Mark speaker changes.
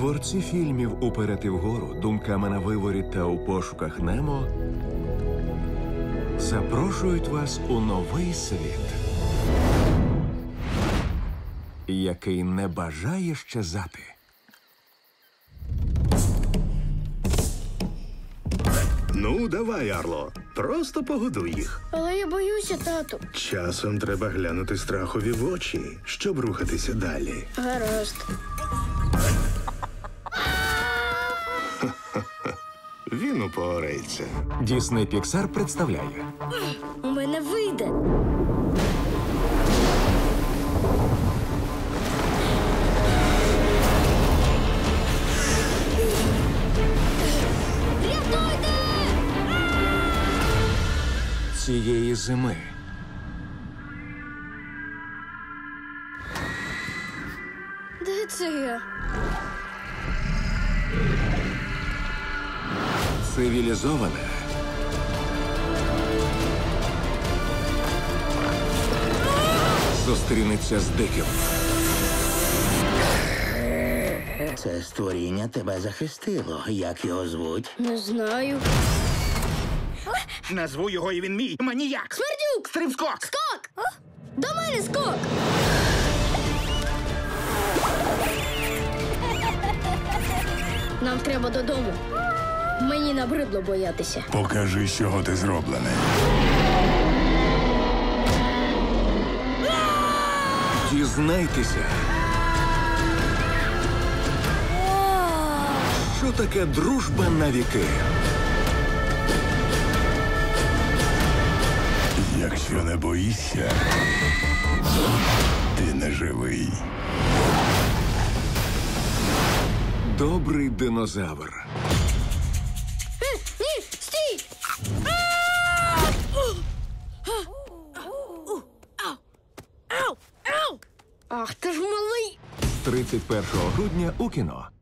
Speaker 1: Творці фільмів «Уперед і вгору», «Думками на виворі» та «У пошуках Немо» запрошують вас у новий світ, який не бажає щезати.
Speaker 2: Ну, давай, Арло, просто погодуй їх.
Speaker 3: Але я боюся, тату.
Speaker 2: Часом треба глянути страхові в очі, щоб рухатися далі.
Speaker 3: Гаразд.
Speaker 2: Він упорається.
Speaker 1: Дісней Піксар представляє
Speaker 3: У мене вийде. Рятуйте!
Speaker 1: цієї зими.
Speaker 3: Де це я?
Speaker 1: Цивілізоване зустрінеться з диким.
Speaker 4: Це створіння тебе захистило. Як його звуть?
Speaker 3: Не знаю.
Speaker 5: Назву його, і він мій. Маніяк.
Speaker 3: Смердюк!
Speaker 5: Стрибскок.
Speaker 3: Скок! До мене скок! Нам треба додому. Мені набридло боятися.
Speaker 6: Покажи, з чого ти зроблений.
Speaker 1: Дізнайтеся, що таке дружба на віки.
Speaker 6: Якщо не боїшся, ти не живий.
Speaker 1: Добрий динозавр.
Speaker 3: Ні, стій! Ах, ти ж малий!
Speaker 1: З 31 грудня у кіно.